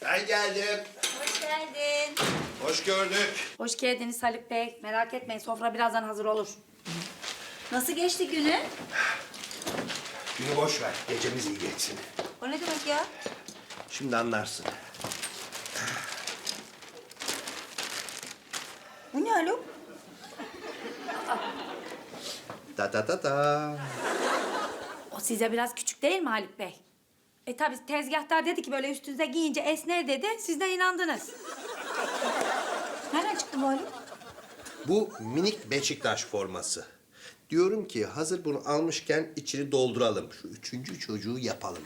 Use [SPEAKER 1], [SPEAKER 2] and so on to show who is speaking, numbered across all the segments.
[SPEAKER 1] Ben geldim.
[SPEAKER 2] Hoş geldin.
[SPEAKER 1] Hoş gördük.
[SPEAKER 2] Hoş geldiniz Haluk Bey. Merak etmeyin, sofra birazdan hazır olur. Nasıl geçti günü?
[SPEAKER 1] Günü boş ver. Gecemiz iyi geçsin.
[SPEAKER 2] O ne demek ya?
[SPEAKER 1] Şimdi anlarsın.
[SPEAKER 2] Bu ne Haluk?
[SPEAKER 1] Ta ta ta ta.
[SPEAKER 2] O size biraz küçük değil mi Haluk Bey? Tabii tezgahtar dedi ki böyle üstünüze giyince esner dedi. Siz de inandınız. Nereden çıktı bu Haluk?
[SPEAKER 1] Bu minik Beşiktaş forması. Diyorum ki hazır bunu almışken içini dolduralım. Şu üçüncü çocuğu yapalım.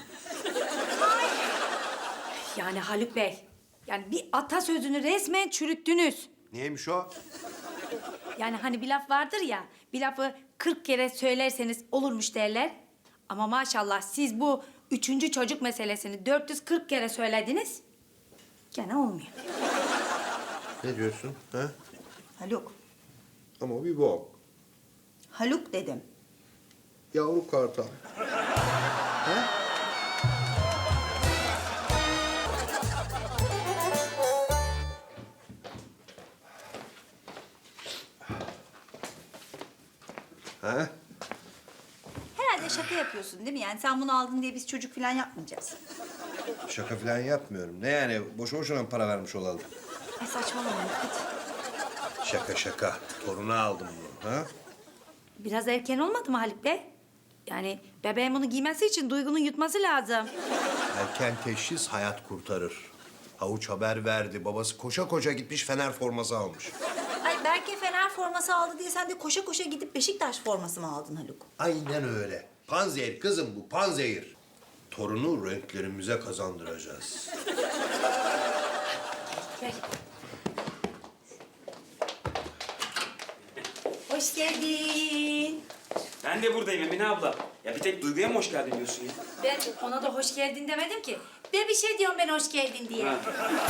[SPEAKER 2] Yani Haluk Bey, yani bir atasözünü resmen çürüttünüz.
[SPEAKER 1] Niyeymiş o?
[SPEAKER 2] Yani hani bir laf vardır ya, bir lafı 40 kere söylerseniz olurmuş derler. Ama maşallah siz bu üçüncü çocuk meselesini 440 kere söylediniz. Gene olmuyor.
[SPEAKER 1] Ne diyorsun? Ha?
[SPEAKER 3] Haluk.
[SPEAKER 1] Ama bir bok.
[SPEAKER 3] Haluk dedim.
[SPEAKER 1] Yavru kartal. Ha?
[SPEAKER 3] Herhalde şaka yapıyorsun değil mi? Yani sen bunu aldın diye biz çocuk falan yapmayacağız.
[SPEAKER 1] Şaka falan yapmıyorum. Ne yani? Boşu boşuna mı para vermiş olalım?
[SPEAKER 3] Ay saçmalama hadi.
[SPEAKER 1] Şaka şaka. Torunu aldım bunu. Ha?
[SPEAKER 2] Biraz erken olmadı mı Haluk Bey? Yani bebeğin bunu giymesi için Duygu'nun yutması lazım.
[SPEAKER 1] Erken teşhis hayat kurtarır. Havuç haber verdi. Babası koşa koşa gitmiş Fener forması almış.
[SPEAKER 3] Ay Berke Fener forması aldı diye sen de koşa koşa gidip Beşiktaş forması mı aldın Haluk?
[SPEAKER 1] Aynen öyle. Panzehir kızım bu, panzehir. Torunu renklerimize kazandıracağız.
[SPEAKER 2] Gel. Hoş geldin.
[SPEAKER 4] Ben de buradayım Emine abla. Ya bir tek Duygu'ya mı hoş geldin diyorsun ya?
[SPEAKER 2] Ben ona da hoş geldin demedim ki. De bir şey diyorum ben hoş geldin diye.
[SPEAKER 4] Ha.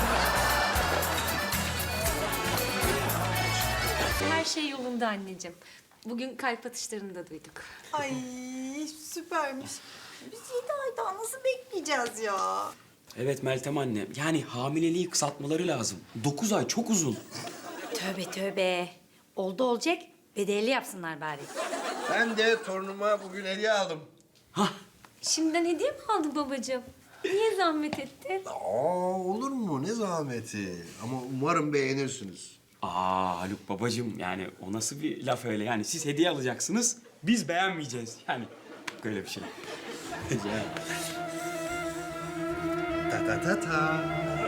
[SPEAKER 5] Her şey yolunda anneciğim. Bugün kalp atışlarını da duyduk.
[SPEAKER 3] Ay süpermiş. Biz 7 ay daha nasıl bekleyeceğiz ya?
[SPEAKER 4] Evet Meltem anne. Yani hamileliği kısaltmaları lazım. 9 ay çok uzun.
[SPEAKER 2] Tövbe tövbe. Oldu olacak. Bedelli yapsınlar bari.
[SPEAKER 1] Ben de torunuma bugün hediye aldım.
[SPEAKER 4] Hah.
[SPEAKER 5] Şimdiden hediye mi aldın babacığım? Niye zahmet ettin?
[SPEAKER 1] Aa, olur mu? Ne zahmeti. Ama umarım beğenirsiniz.
[SPEAKER 4] Haluk babacığım yani o nasıl bir laf öyle yani siz hediye alacaksınız biz beğenmeyeceğiz yani böyle bir şey. Ya.
[SPEAKER 1] Ta ta ta ta.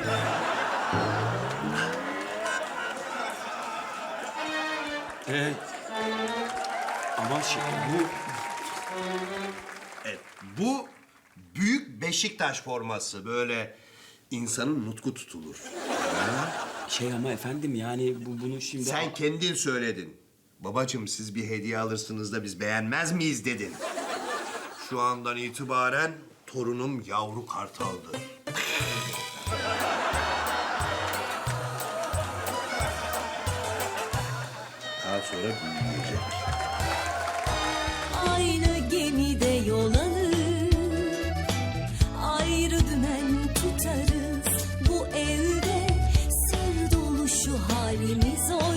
[SPEAKER 4] Evet. Ama bu
[SPEAKER 1] Evet, bu büyük Beşiktaş forması. Böyle insanın nutku tutulur.
[SPEAKER 4] ama efendim yani bunu şimdi...
[SPEAKER 1] Sen kendin söyledin. Babacığım siz bir hediye alırsınız da biz beğenmez miyiz dedin. Şu andan itibaren torunum yavru kartaldır. Daha sonra büyüyecek.
[SPEAKER 6] Aynı gemide yol alır, ayrı dümen tutarız. Bu evde sır dolu şu halimiz oynar.